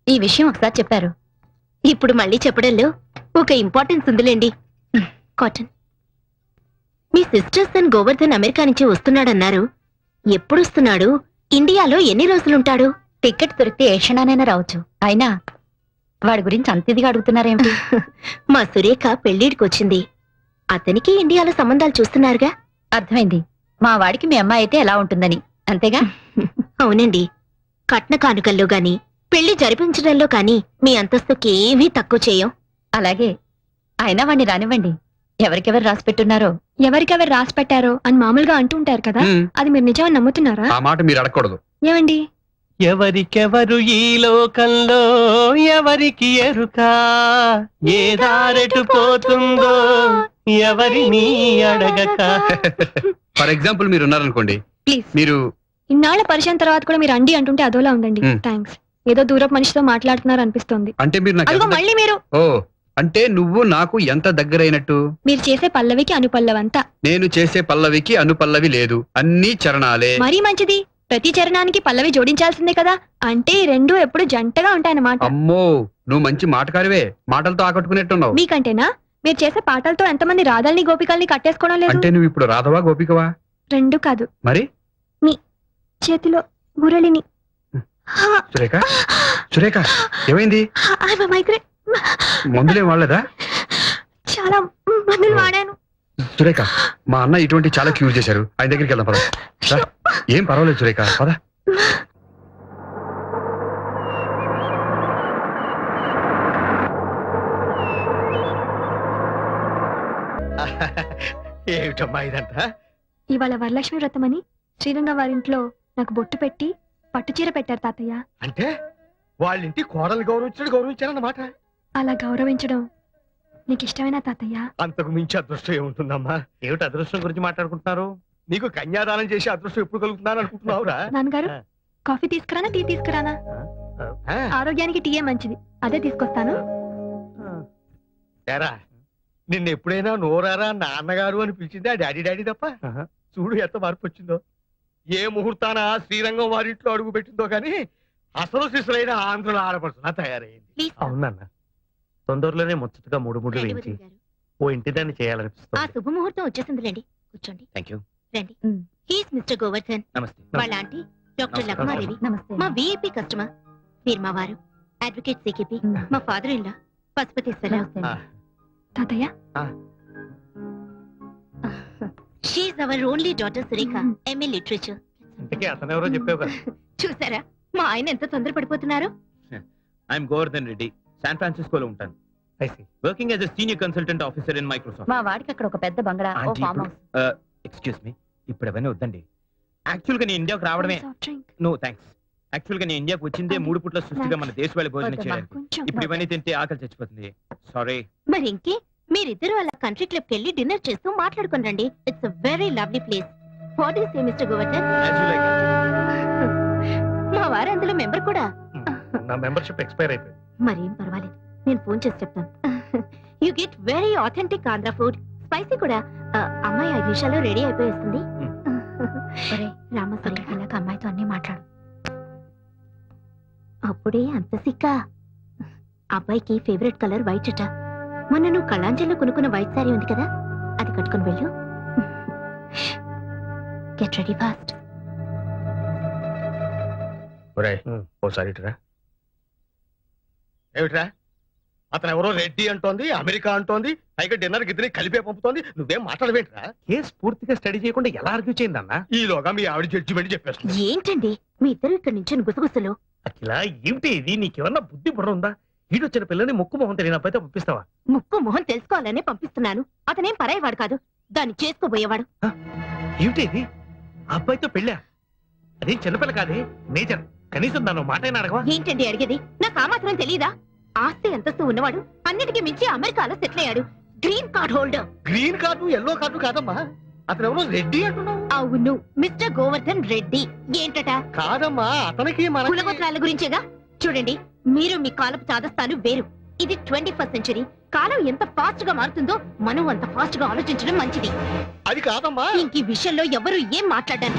ఈ విషయం ఒకసారి చెప్పారు. ఇప్పుడు మళ్ళీ చెప్పడంలో ఒక ఇంపార్టెన్స్ ఉందిలేండి. కాటన్, మీ సిస్టర్ సన్ గోవర్ధన్ అమెరికా నుంచి వస్తున్నాడన్నారు. ఎప్పుడు వస్తున్నాడు? ఇండియాలో ఎన్ని రోజులుంటాడు? టికెట్ దొరికితే ఏ క్షణానైనా రావచ్చు. అయినా వాడి గురించి అంత ఇదిగా అడుగుతున్నారేమిటి? మా సురేఖ పెళ్లిడికొచ్చింది. అతనికి ఇండియాలో సంబంధాలు చూస్తున్నారుగా. అర్థమైంది. మా వాడికి మీ అమ్మాయి అయితే ఎలా ఉంటుందని, అంతేగా? అవునండి. కట్న కానుకల్లో గాని పెళ్లి జరిపించడంలో కాని మీ అంతస్తుకి ఏమీ తక్కువ చేయం. అలాగే. అయినా వాడిని రానివ్వండి. ఎవరికెవరు రాసి పెట్టున్నారో. ఎవరికెవరు రాసి పెట్టారో అని మామూలుగా అంటుంటారు కదా, అది మీరు నిజమని నమ్ముతున్నారా? ఆ మాట మీరు అడగకూడదు. ఏమండి? ఎవరికెవరు ఈ లోకంలో ఎవరికి ఎరుక, ఏ దారెటు పోతుందో ఎవరిని అడగక. ఫర్ ఎగ్జాంపుల్ మీరు ఉన్నారనుకోండి, ప్లీజ్. మీరు ఇన్నాళ్ల పరిచయం తర్వాత కూడా మీరు అండి అంటుంటే అదోలా ఉందండి. థ్యాంక్స్. ఏదో దూరపు మనిషితో మాట్లాడుతున్నారు అనిపిస్తోంది. అంటే మీరు నాకు అదిగో ఎంత మళ్ళీ మీరు. ఓ, అంటే నువ్వు నాకు ఎంత దగ్గరైనట్టు? మీరు చేసే పల్లవికి అనుపల్లవంతా. నేను చేసే పల్లవికి అనుపల్లవి లేదు, అన్ని చరణాలే. మరీ మంచిది. ప్రతి చరణానికి పల్లవి జోడించాల్సిందే కదా. అంటే ఈ రెండు ఎప్పుడు జంటగా ఉంటాయన్నమాట. అమ్మో, నువ్వు మంచి మాటకారివే. మాటలతో ఆకట్టుకునేట్టున్నావు. మీకంటేనా? మీరు చేసే పాటలతో ఎంతమంది రాధల్ని గోపికల్ని కట్టేసుకోవడం లేదు? అంటే నువ్వు ఇప్పుడు రాధవా గోపికవా? రెండు కాదు. మరి చేతిలో మురళిని. సురేఖ, సురేఖ ఏమైంది? మైగ్రేన్. మందులేం వాడలేదా? చాలా మందులు వాడాను. సురేఖ, మా అన్న ఇటువంటి చాలా క్యూర్ చేశారు. ఆయన దగ్గరికి వెళ్దాం పద. రా. ఏం పర్వాలేదు సురేఖ, పద. ఏమిటమ్మా ఇదంతా? ఇవాళ వరలక్ష్మి వ్రతం అని శ్రీరంగ వారింట్లో నాకు బొట్టు పెట్టి పట్టుచీర పెట్టారు తాతయ్య. అంటే వాళ్ళింటి కోడలు గౌరవించారన్నమాట. అలా గౌరవించడం నీకు ఇష్టమేనా తాతయ్య? అంతకు మించి అదృష్టం ఏముంటుందమ్మా? ఏమిటి అదృష్టం గురించి మాట్లాడుకుంటున్నారు? నీకు కన్యాదానం చేసి అదృష్టం ఎప్పుడు కలుగుతున్నాను అనుకుంటున్నావురా? నాన్నగారు, కాఫీ తీసుకురానా టీ తీసుకురానా? ఆరోగ్యానికి టీయే మంచిది, అదే తీసుకొస్తాను. ఏరా, నిన్న ఎప్పుడైనా నోరారా నాన్నగారు అని పిలిచింది ఆ డాడీ డాడీ తప్ప? చూడు ఎంత మార్పు వచ్చిందో. ఏ ముహూర్తాన శ్రీరంగం వారింట్లో అడుగు పెట్టిందో కానీ అసలు శిశులైన ఆంధ్రుల ఆడపడుతున్నా తయారైంది. అవునన్న, తొందరలోనే ముచ్చటగా మూడు వేయించి ఓ ఇంటి దాన్ని ఆ చేయాలనిపిస్తుంది. శుభముహూర్తం వచ్చేసిందిలేండి. కూర్చోండి. Thank you. రండి. He's mister Govardhan. నమస్తే. వాళ్ళ ఆంటీ డాక్టర్ లక్మాదేవి. నమస్తే. మా విఐపి కస్టమర్. మీరు మా వారు అడ్వకేట్ సికిపి. మా ఫాదర్ ఇన్ లా పశుపతీశ్వరరావు. తాతయ్య, she's our only daughter Surekha, MA literature. ఇంతకీ అతనెవరో చెప్పావు కదా. చూసారా మా ఆయన ఎంత తొందరపడిపోతున్నారు? ఐఎమ్ గోవర్ధన్ రెడ్డి, శాన్ ఫ్రాన్సిస్కోలో ఉంటాను. Working as a senior consultant officer in Microsoft. మా వాడికి అక్కడ ఒక పెద్ద బంగ్లా, ఓ aunty, farm house. Excuse me, ఇప్పుడు అవన్నీ వద్దండి. యాక్చువల్ గా నేను ఇండియాకు రావడమే. Soft drink. No thanks. Actual గా నేను ఇండియాకు వచ్చిందే 3 పూట్ల సృష్టిగా మన దేశ వాళ్ళ భోజనం చేయడానికి. కొంచెం. ఇప్పుడు ఇవన్నీ తింటే ఆకలి చచ్చిపోతుంది. సారీ. మరి ఇంకే మీరిద్దరు అలా కంట్రీ క్లబ్ కి వెళ్ళి డిన్నర్ చేస్తూ మాట్లాడుకుని రండి. It's a very lovely place. What do you say mister Govardhan? మా వారు అందులో మెంబర్ కూడా. నా మెంబర్షిప్ ఎక్స్పైర్ అయిపోయింది. మరేం పర్వాలేదు, నేను ఫోన్ చేసి చెప్తాను. You get very authentic Andhra food, spicy కూడా. అమ్మాయి 5 నిమిషాల్లో రెడీ అయిపోయేస్తుంది. రామసరి ఇలాగ అమ్మాయితో అన్ని మాట్లాడు. అప్పుడే అంత సిక్క. అబ్బాయికి ఫేవరెట్ కలర్ వైట్ అట. మొన్న నువ్వు కళాంజలిలో కొనుక్కున్న వైట్ సారీ ఉంది కదా, అది కట్టుకుని వెళ్ళు. Get ready fast. ఓసారి ఇటురా. ఏమిట్రా, అతను ఎవరో రెడ్డి అంటోంది, అమెరికా అంటోంది, పైగా డిన్నర్ గిద్దరి కలిపే పంపుతోంది. నువ్వేం మాట్లాడవేంట్రా? కేసు పూర్తిగా స్టడీ చేయకుండా ఎలా ఆర్గ్యూ చేయిందన్నా? ఈలోగా మీ ఆవిడ జడ్జిమెంట్ చెప్పేస్తుంది. ఏంటండి మీ ఇద్దరు ఇక్కడ నుంచి గుసగుసలు? అఖిల, ఏమిటి ఇది? నీకేమన్నా బుద్ధి బుర్ర ఉందా? ఈడొచ్చిన పిల్లని ముక్కు మొహం తెలియని అబ్బాయితో పంపిస్తావా? ముక్కు మొహం తెలుసుకోవాలనే పంపిస్తున్నాను. అతనేం పరాయవాడు కాదు, దాన్ని చేసుకోబోయేవాడు. ఏమిటి ఇది? అబ్బాయితో పెళ్ళా? అదేం చిన్నపిల్ల కాదే, మేజర్. కనీసం దాన్ని మాటైనా అడగవా? ఏంటండి అడిగేది? నాకు ఆ మాత్రం తెలీదా? ఆస్తి అంతస్తు ఉన్నవాడు, అన్నిటికీ మించి అమెరికాలో సెటిల్ అయ్యాడు. Green card holder. Green card yellow card కాదమ్మా, అతను ఎవరో రెడ్డి అంటున్నావు. అవును, మిస్టర్ గోవర్ధన్ రెడ్డి. ఏంటట? కాదమ్మా, అతనికి మన కులగోత్రాల గురించేగా. చూడండి, మీరు మీ కాలపు చాదస్తాను వేరు. ఇది 21st సెంచరీ. కాలం ఎంత ఫాస్ట్ గా మారుతుందో మనం అంత ఫాస్ట్ గా ఆలోచించడం మంచిది. అది కాదమ్మా. ఇంక ఈ విషయంలో ఎవరు ఏం మాట్లాడారు?